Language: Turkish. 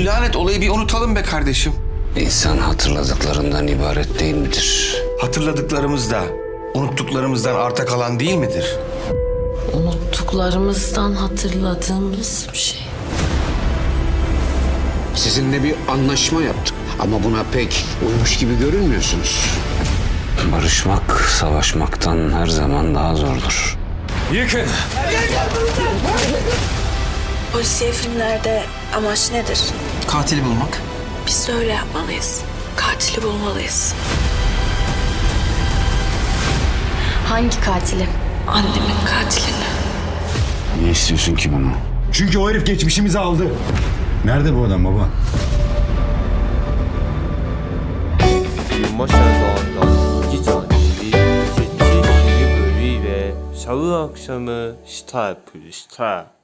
lanet olayı bir unutalım be kardeşim. İnsan hatırladıklarından ibaret değil midir? Hatırladıklarımız da unuttuklarımızdan arta kalan değil midir? Unuttuklarımızdan hatırladığımız bir şey. Sizinle bir anlaşma yaptık ama buna pek uymuş gibi görünmüyorsunuz. Barışmak, savaşmaktan her zaman daha zordur. Yıkın! Polisiye filmlerde amaç nedir? Katili bulmak. Biz de öyle yapmalıyız. Katili bulmalıyız. Hangi katili? Annemin katilini. Niye istiyorsun ki bunu? Çünkü o herif geçmişimizi aldı. Nerede bu adam baba? 유머샤던 이기전 및 제7 기획을 위해 샤우 액션을 스타